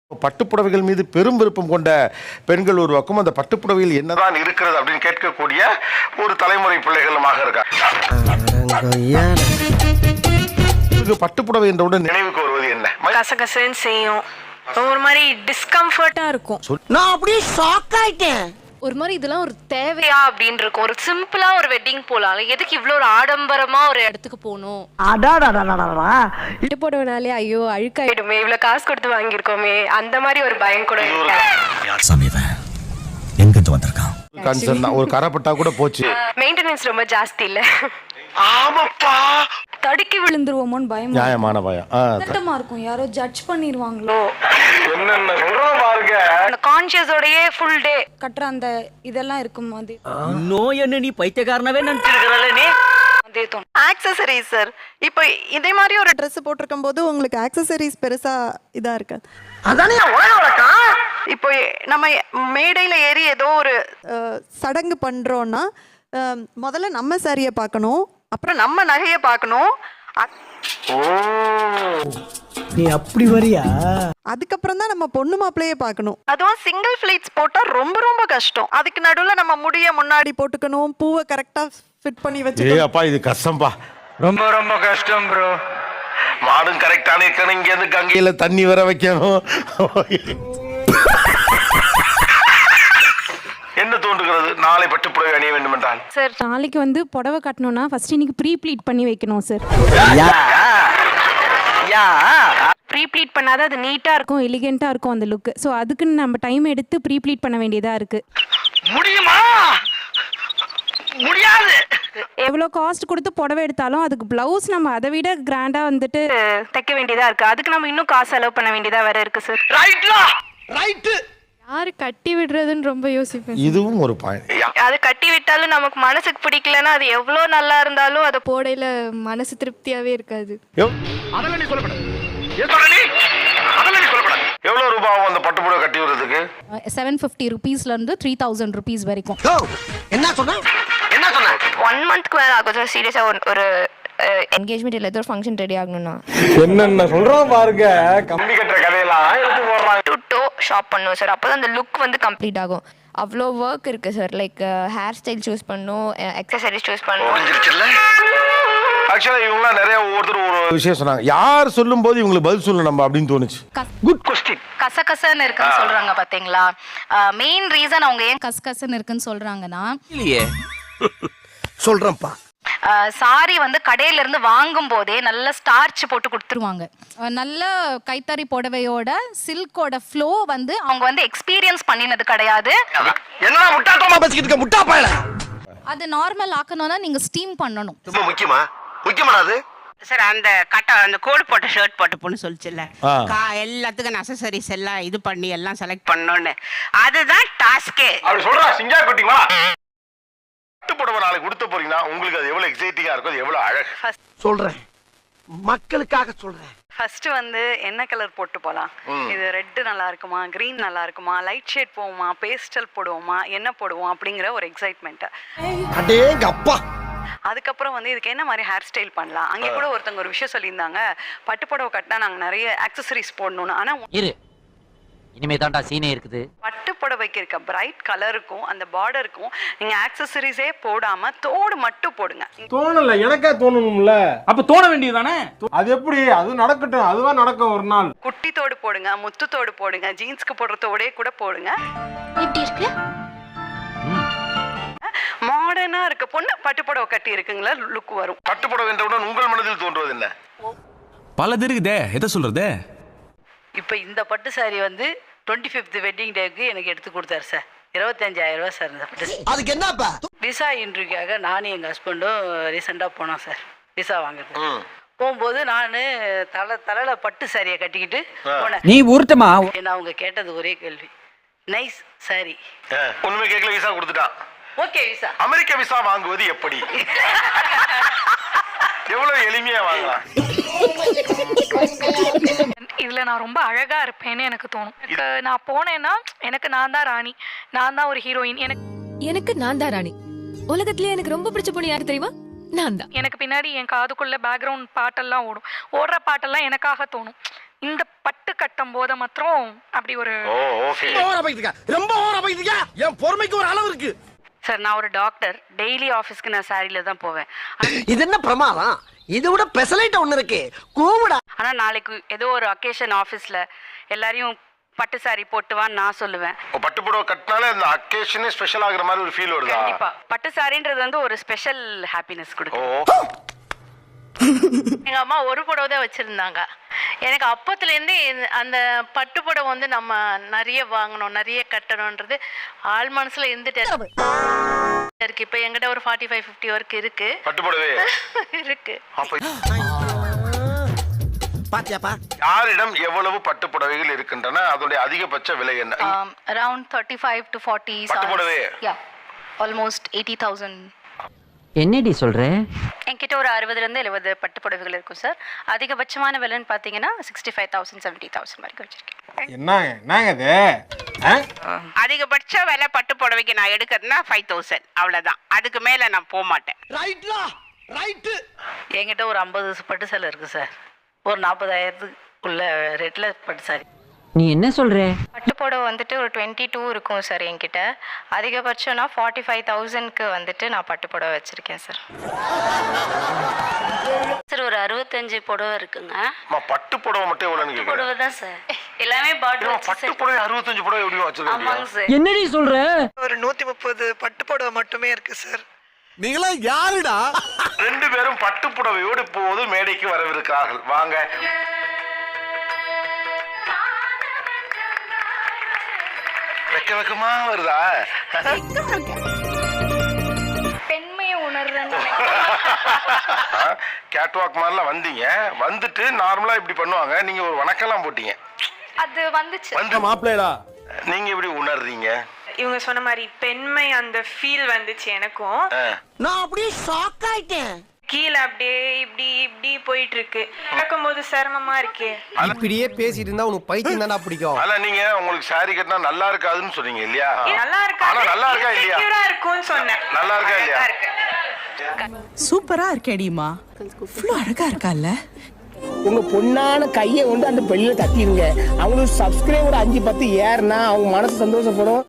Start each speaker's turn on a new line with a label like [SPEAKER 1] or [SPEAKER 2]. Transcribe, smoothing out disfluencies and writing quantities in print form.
[SPEAKER 1] பட்டுப்புடவைகள் மீது பெரும் விருப்பம் கொண்ட பெண்கள் ஒரு பக்கம் அந்த பட்டுப்புடவையில் என்னதான் இருக்கிறது அப்படின்னு கேட்கக்கூடிய ஒரு தலைமுறை பிள்ளைகளுமாக இருக்காங்க. பட்டுப்புடவை என்றவுடன் நினைவுக்கு வருவது என்ன?
[SPEAKER 2] கசகசன்னு செய்யும், ஒரு மாதிரி டிஸ்கம்ஃபர்ட்டா இருக்கும்.
[SPEAKER 3] நான் அப்படியே ஷாக் ஆயிட்டேன்.
[SPEAKER 2] ஒரு மாதிரி இதெல்லாம் ஒரு தேவையா அப்படின்னு இருக்கும். ஒரு சிம்பிளா ஒரு வெட்டிங் போலாம், எதுக்கு இவ்வளவு ஒரு ஆடம்பரமா ஒரு இடத்துக்கு போகணும்?
[SPEAKER 4] போடுவனாலே ஐயோ அழுக்காயிடுமே,
[SPEAKER 2] இவ்வளவு காசு கொடுத்து வாங்கியிருக்கோமே, அந்த மாதிரி ஒரு பயம் கூட
[SPEAKER 1] ஒரு கரப்பட்டா கூட போச்சு.
[SPEAKER 2] மெயின்டெனன்ஸ் ரொம்ப ஜாஸ்தி இல்ல.
[SPEAKER 1] ஆமாப்பா,
[SPEAKER 4] தடுக்கி விழுந்துருவோமோன்னு பயம்.
[SPEAKER 1] நியாயமான பயம்.
[SPEAKER 4] கஷ்டமா இருக்கும், யாரோ ஜட்ஜ் பண்ணிடுவாங்களோ.
[SPEAKER 1] என்னென்ன சொல்றோம் பாருங்க.
[SPEAKER 2] அந்த கான்ஷியஸோடயே ஃபுல் டே
[SPEAKER 4] கட்டுற அந்த இதெல்லாம் இருக்கும் போது
[SPEAKER 3] நோய் என்ன நீ பைத்தியக்காரனவே நினைச்சிருக்கறல நீ.
[SPEAKER 5] ஆக்சசரிஸ் சார், இப்போ இதே மாதிரி ஒரு ட்ரெஸ் போட்டிருக்கும் போது உங்களுக்கு ஆக்சசரிஸ் பெருசா இதா இருக்கு.
[SPEAKER 3] அதானே உலகம்.
[SPEAKER 5] இப்போ நம்ம மேடையில ஏறி ஏதோ ஒரு சடங்கு பண்றோம்னா முதல்ல நம்ம சாரியை பார்க்கணும், அப்புறம் நம்ம நகையை பார்க்கணும்.
[SPEAKER 3] நீ அப்படி வரியா?
[SPEAKER 5] அதுக்கப்புறம் தான் நம்ம பொண்ணு மாப்பிள்ளையே பார்க்கணும். அதுவும் சிங்கிள் ஃபிளைட்ஸ் போட்டா ரொம்ப ரொம்ப கஷ்டம். அதுக்கு நடுவுல நம்ம முடிய முன்னாடி போட்டுக்கணும், பூவை கரெக்டா ஃபிட் பண்ணி வச்சுக்கணும்.
[SPEAKER 1] அப்பா இது கஷ்டம்பா, ரொம்ப ரொம்ப கஷ்டம் ப்ரோ. மாடும் கரெக்டான இருக்கணும், இங்க இருந்து கங்கையில தண்ணி வர வைக்கணும். என்ன தோன்றுகிறது நாளை பட்டுப்புடவை அணிய வேண்டும் என்றால்?
[SPEAKER 4] சார், நாளைக்கு வந்து புடவை கட்டணும்னா ஃபர்ஸ்ட் இன்னைக்கு ப்ரீ ப்ளீட் பண்ணி வைக்கணும் சார்.
[SPEAKER 2] ப்ரீ ப்ளீட் பண்ணாதான் அது நீட்டா இருக்கும்,
[SPEAKER 4] எலிகென்ட்டா இருக்கும் அந்த லுக். ஸோ அதுக்குன்னு நம்ம டைம் எடுத்து ப்ரீ ப்ளீட் பண்ண வேண்டியதா இருக்கு.
[SPEAKER 3] முடியுமா? முடியாது.
[SPEAKER 4] எவ்வளோ காஸ்ட் கொடுத்து புடவை எடுத்தாலும் அதுக்கு பிளவுஸ் நம்ம அதை விட கிராண்டா வந்துட்டு
[SPEAKER 2] தைக்க வேண்டியதா இருக்கு. அதுக்கு நம்ம இன்னும் காசு செலவு பண்ண வேண்டியதா வேற இருக்கு சார்.
[SPEAKER 3] ரைட்.
[SPEAKER 4] யாரு கட்டி விடுறதுன்னு ரொம்ப யோசிப்பேன்.
[SPEAKER 1] இதுவும் ஒரு பாயிண்ட்.
[SPEAKER 2] அது கட்டி விட்டாலும் நமக்கு மனசுக்கு பிடிக்கலன்னா அது எவ்வளவு நல்லா இருந்தாலும் அதை
[SPEAKER 4] போடையில மனசு திருப்தியாவே இருக்காது.
[SPEAKER 1] எவ்வளவு ரூபாய் ஆகும் அந்த பட்டுப்புடவை கட்டி விடுறதுக்கு?
[SPEAKER 4] 750 rupeesல இருந்து 3000 rupees வரைக்கும்.
[SPEAKER 3] என்ன சொன்ன?
[SPEAKER 2] 1 monthக்கு மேல ஆகும் சார். சீரியஸா ஒரு
[SPEAKER 4] என்கேஜ்மெண்ட் இல்ல ஏதோ ஃபங்க்ஷன் ரெடி ஆகணும்னா
[SPEAKER 1] என்னென்ன சொல்றோம் பாருங்க. கம்பி கட்டுற கதையெல்லாம் எடுத்து போடுறாங்க.
[SPEAKER 2] டு ஷாப் பண்ணுவோம் சார், அப்பதான் அந்த லுக் வந்து
[SPEAKER 4] கம்ப்ளீட் ஆகும். அவ்வளோ ஒர்க் இருக்கு சார். லைக் ஹேர் ஸ்டைல் சூஸ் பண்ணணும்,
[SPEAKER 2] அக்சசரிஸ் சூஸ் பண்ணணும்.
[SPEAKER 1] ஆக்சுவலா இவங்க நிறைய ஒவ்வொருத்தர் ஒரு விஷயம் சொன்னாங்க. யார் சொல்லும் போது இவங்களுக்கு பதில் சொல்லணும் நம்ம அப்படின்னு தோணுச்சு.
[SPEAKER 3] Good question.
[SPEAKER 2] கசகசன்னு இருக்குன்னு சொல்றாங்க பாத்தீங்களா? மெயின் ரீசன் அவங்க ஏன்
[SPEAKER 4] கசகசன்னு இருக்குன்னு சொல்றாங்கன்னா,
[SPEAKER 3] இல்லையே சொல்றேன்ப்பா.
[SPEAKER 2] சாரி வந்து கடையில இருந்து வாங்கும் போதே நல்ல ஸ்டார்ச் போட்டு கொடுத்துருவாங்க.
[SPEAKER 4] நல்ல கைத்தறி புடவையோட சில்கோட ஃப்ளோ வந்து
[SPEAKER 2] அவங்க வந்து எக்ஸ்பீரியன்ஸ் பண்ணினது கிடையாது.
[SPEAKER 3] என்னடா முட்டாள்தனமா பேசிக்கிட்டு இருக்க முட்டா பயல.
[SPEAKER 4] அது நார்மல் ஆக்கணும்னா நீங்க ஸ்டீம் பண்ணணும்.
[SPEAKER 3] ரொம்ப முக்கியமாடா அது.
[SPEAKER 6] சார், அந்த அந்த கோடு போட்ட ஷர்ட் போட்ட பொண்ணு சொல்லிச்சுல்ல, எல்லாத்துக்கும் அக்சசரிஸ் எல்லாம் இது பண்ணி எல்லாம் செலக்ட் பண்ணணும்னு, அதுதான் டாஸ்கே.
[SPEAKER 1] அப்படி சொல்றா சிங்கா குட்டிங்களா? பட்டுப்புடவை நாளைக்கு கொடுத்த போறீங்கன்னா உங்களுக்கு அது எவ்வளவு எக்ஸைட்டிங்கா இருக்கும், அது எவ்வளவு அழகு.
[SPEAKER 3] சொல்றேன், மக்களுக்காக சொல்றேன்.
[SPEAKER 5] ஃபர்ஸ்ட் வந்து என்ன கலர் போட்டு போலாம், இது ரெட் நல்லா இருக்குமா, கிரீன் நல்லா இருக்குமா, லைட் ஷேட் போவோமா, பேஸ்டல் போடுவோமா, என்ன போடுவோம் அப்படிங்கிற ஒரு எக்ஸைட்மெண்ட்.
[SPEAKER 3] அடேங்கப்பா.
[SPEAKER 5] அதுக்கப்புறம் வந்து இதுக்கு என்ன மாதிரி ஹேர் ஸ்டைல் பண்ணலாம். அங்கே கூட ஒருத்தவங்க ஒரு விஷயம் சொல்லியிருந்தாங்க, பட்டுப்புடவை கட்டினா நாங்கள் நிறைய ஆக்சசரிஸ் போடணும்னு. ஆனால்
[SPEAKER 7] இரு, இனிமே தான்டா சீனே இருக்குது.
[SPEAKER 5] பட்டுப்புடவைக்கு இருக்க பிரைட் கலருக்கும் அந்த பார்டருக்கும் நீங்க ஆக்சசரிஸே போடாம தோடு மட்டும் போடுங்க.
[SPEAKER 8] தோணல, எனக்கே தோணணும்ல. அப்ப தோண வேண்டியதுதானே? அது எப்படி? அது நடக்கட்டும், அதுவா நடக்கும் ஒரு நாள்.
[SPEAKER 5] குட்டி தோடு போடுங்க, முத்து தோடு போடுங்க, ஜீன்ஸ்க்கு போடுற தோடே கூட போடுங்க.
[SPEAKER 4] எப்படி இருக்கு?
[SPEAKER 5] மாடர்னா இருக்க பொண்ணு பட்டுப்புடவை கட்டி இருக்குங்களா லுக் வரும்.
[SPEAKER 1] பட்டுப்புடவை என்றவுடன் உங்கள் மனதில் தோன்றுவது என்ன?
[SPEAKER 8] பலது இருக்குதே, எதை சொல்றது?
[SPEAKER 6] இப்போ இந்த பட்டு சாரி வந்து 25th வெட்டிங் டேக்கு எனக்கு எடுத்து கொடுத்தாரு சார். 25,000 ரூபாய் சார். இந்த பட்டு
[SPEAKER 3] அதுக்கு என்னப்பா?
[SPEAKER 6] விசா இன்டர்வியூக்காக நானும் எங்கள் ஹஸ்பண்டும் ரீசெண்டாக போனோம் சார் விசா வாங்குறது. போகும்போது நான் தலையில பட்டு சாரியை கட்டிக்கிட்டு போனேன்.
[SPEAKER 7] நீ ஊர்த்தமா?
[SPEAKER 6] ஏன்னா அவங்க கேட்டது ஒரே கேள்வி, நைஸ் சாரி.
[SPEAKER 1] ஒண்ணுமே கேட்கல, விசா கொடுத்துட்டான்.
[SPEAKER 6] Okay visa.
[SPEAKER 1] அமெரிக்க விசா வாங்குவது எப்படி? எவ்வளவு எளிமையா வாங்கலாம்.
[SPEAKER 2] இதுல நான் ரொம்ப அழகா இருப்பேன்னு எனக்கு தோணும். நான் போனேன்னா எனக்கு நான் தான் ராணி, நான் தான் ஒரு ஹீரோயின்.
[SPEAKER 9] எனக்கு நான் தான் ராணி. உலகத்திலே எனக்கு ரொம்ப பிடிச்ச பொண்ணு யாருக்கு தெரியுமா? நான் தான்.
[SPEAKER 2] எனக்கு பின்னாடி என் காதுக்குள்ள பேக்ரவுண்ட் பாட்டெல்லாம் ஓடும். ஓடுற பாட்டெல்லாம் எனக்காக தோணும். இந்த பட்டு கட்டும் போது மாத்திரம் அப்படி ஒரு
[SPEAKER 1] ஓகே.
[SPEAKER 3] ரொம்ப ஓவரா போயிட்டு என் பொறுமைக்கு ஒரு அளவு இருக்கு.
[SPEAKER 6] சார் நான் ஒரு டாக்டர், டெய்லி ஆஃபீஸ்க்கு நான் சாரியில தான் போவேன்.
[SPEAKER 3] இது என்ன பிரமாதம்? இது விட பெசலைட் ஒண்ணு இருக்கு. கூவுடா.
[SPEAKER 6] ஆனா நாளைக்கு ஏதோ ஒரு அக்கேஷன் ஆஃபீஸ்ல எல்லாரையும் பட்டு சாரி போட்டுவான்னு நான் சொல்லுவேன்.
[SPEAKER 1] பட்டு புடவை கட்டினாலே அந்த அக்கேஷனே ஸ்பெஷல் ஆகுற மாதிரி ஒரு ஃபீல் வருதா?
[SPEAKER 6] கண்டிப்பா பட்டு சாரின்றது வந்து ஒரு ஸ்பெஷல் ஹாப்பினஸ் கொடுக்கும்.
[SPEAKER 10] எங்க அம்மா ஒரு புடவை தான் வச்சிருந்தாங்க. எனக்கு அப்பத்துலேருந்து அந்த பட்டு புடவை வந்து நம்ம நிறைய வாங்கணும், நிறைய கட்டணும்ன்றது ஆள் மனசுல இருந்துட்டே இருக்கு. இப்ப என்கிட்ட ஒரு 45-50 வரைக்கும் இருக்கு
[SPEAKER 1] பட்டு புடவை
[SPEAKER 10] இருக்கு.
[SPEAKER 3] பாத்தியாப்பா?
[SPEAKER 1] யாரிடம் எவ்வளவு பட்டு புடவைகள் இருக்கின்றன? அதோட அதிகபட்ச விலை என்ன?
[SPEAKER 10] Around 35 to 40.
[SPEAKER 1] பட்டு புடவை?
[SPEAKER 10] Yeah, almost 80,000.
[SPEAKER 7] என்னடி சொல்ற?
[SPEAKER 10] என்கிட்ட ஒரு 60லேருந்து 70 பட்டு புடவைகள் இருக்கும் சார். அதிகபட்சமான விலைன்னு பார்த்தீங்கன்னா 65,000 70,000 வரைக்கும் வச்சிருக்கேன்.
[SPEAKER 8] என்னங்க இது?
[SPEAKER 6] அதிகபட்ச விலை பட்டு புடவைக்கு நான் எடுக்கிறதுனா 5,000 அவ்வளவுதான். அதுக்கு மேல நான் போக மாட்டேன்.
[SPEAKER 3] ரைட்லா ரைட்.
[SPEAKER 6] என்கிட்ட ஒரு 50 பட்டு சேலை இருக்கு சார். ஒரு 40,000க்குள்ள ரேட்ல பட்டு சாரி.
[SPEAKER 7] நீ என்ன சொல்ற?
[SPEAKER 10] பட்டு புடவை வந்துட்டு ஒரு 22 இருக்கும் சார் என்கிட்ட. அதிகபட்சம்னா 45,000க்கு வந்துட்டு நான் பட்டு புடவை வச்சிருக்கேன் சார். சார் ஒரு 65 புடவை இருக்குங்க.
[SPEAKER 1] பட்டு புடவை மட்டும் எவ்வளவுன்னு கேக்குறேன்.
[SPEAKER 10] புடவை தான் சார். எல்லாமே பாட்டில்
[SPEAKER 1] பட்டு புடவை 65 புடவை எப்படி வச்சிருக்கீங்க?
[SPEAKER 10] ஆமாங்க சார்.
[SPEAKER 7] என்னடி சொல்ற?
[SPEAKER 5] ஒரு 130 பட்டு புடவை மட்டுமே இருக்கு சார்.
[SPEAKER 3] நீங்களா யாருடா?
[SPEAKER 1] ரெண்டு பேரும் பட்டு புடவையோடு இப்போது மேடைக்கு வரவிருக்கிறார்கள். வாங்க. வெக்கமா வருதா?
[SPEAKER 2] பெண்மையை உணர்றேன்.
[SPEAKER 1] கேட்வாக் மாதிரிலாம் வந்தீங்க, வந்துட்டு நார்மலா இப்படி பண்ணுவாங்க, நீங்க ஒரு வணக்கம்லாம் போட்டீங்க.
[SPEAKER 2] அது வந்துச்சு.
[SPEAKER 1] வந்து
[SPEAKER 8] மாப்பிள்ளைடா.
[SPEAKER 1] நீங்க எப்படி உணர்றீங்க?
[SPEAKER 10] இவங்க சொன்ன மாதிரி பெண்மை அந்த ஃபீல் வந்துச்சு எனக்கும்.
[SPEAKER 3] நான் அப்படியே ஷாக் ஆயிட்டேன்.
[SPEAKER 10] கீழே அப்படியே இப்படி இப்படி போயிட்டு இருக்கு. நடக்கும்போது சிரமமா இருக்கு.
[SPEAKER 3] இப்படியே பேசிட்டு இருந்தா உனக்கு பைத்தியம் தானே பிடிக்கும்.
[SPEAKER 1] அதான் நீங்க உங்களுக்கு சாரி கட்டினா நல்லா இருக்காதுன்னு சொன்னீங்க இல்லையா?
[SPEAKER 10] நல்லா இருக்கா?
[SPEAKER 1] ஆனா நல்லா இருக்கா இல்லையா?
[SPEAKER 10] செக்யூரா இருக்கும்னு சொன்னேன்.
[SPEAKER 1] நல்லா இருக்கா இல்லையா?
[SPEAKER 5] சூப்பரா இருக்கேடிமா. இவ்ளோ அழகா இருக்கால.
[SPEAKER 3] உங்க பொண்ணான கையை கொண்டு அந்த பெண்ணில தட்டிடுங்க. அவங்களுக்கு சப்ஸ்கிரைபர் 5-10 ஏறுனா அவங்க மனசு சந்தோஷப்படும்.